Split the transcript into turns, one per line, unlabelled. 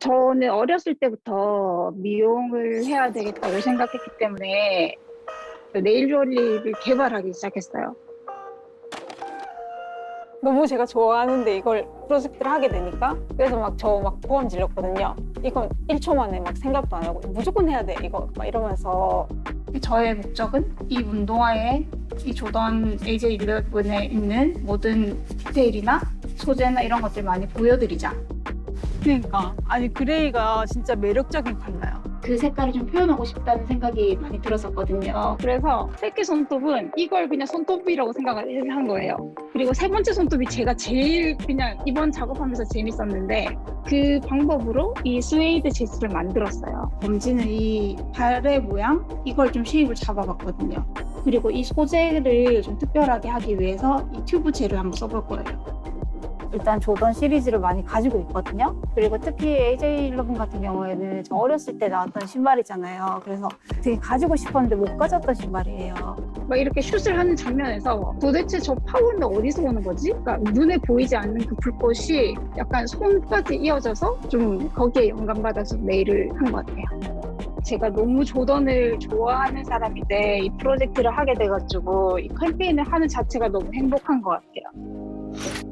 저는 어렸을 때부터 미용을 해야 되겠다고 생각했기 때문에 네일 조립을 개발하기 시작했어요.
너무 제가 좋아하는데 이걸 프로젝트를 하게 되니까 그래서 막 저 막 보험 질렀거든요. 이건 1초 만에 막 생각도 안 하고 무조건 해야 돼 이거 막 이러면서.
저의 목적은 이 운동화에 이 조던 AJ11에 있는 모든 디테일이나 소재나 이런 것들 많이 보여드리자.
그러니까 아니 그레이가 진짜 매력적인 컬러예요.
그 색깔을 좀 표현하고 싶다는 생각이 많이 들었었거든요. 그래서 새끼 손톱은 이걸 그냥 손톱이라고 생각을 한 거예요. 그리고 세 번째 손톱이 제가 제일 그냥 이번 작업하면서 재밌었는데 그 방법으로 이 스웨이드 제스를 만들었어요. 검지는 이 발의 모양 이걸 좀 쉐입을 잡아봤거든요. 그리고 이 소재를 좀 특별하게 하기 위해서 이 튜브 젤을 한번 써볼 거예요.
일단 조던 시리즈를 많이 가지고 있거든요. 그리고 특히 AJ11 같은 경우에는 저 어렸을 때 나왔던 신발이잖아요. 그래서 되게 가지고 싶었는데 못 가졌던 신발이에요.
막 이렇게 슛을 하는 장면에서 도대체 저 파워는 어디서 오는 거지? 그러니까 눈에 보이지 않는 그 불꽃이 약간 손까지 이어져서 좀 거기에 영감받아서 네일을 한 것 같아요. 제가 너무 조던을 좋아하는 사람인데 이 프로젝트를 하게 돼가지고 이 캠페인을 하는 자체가 너무 행복한 것 같아요.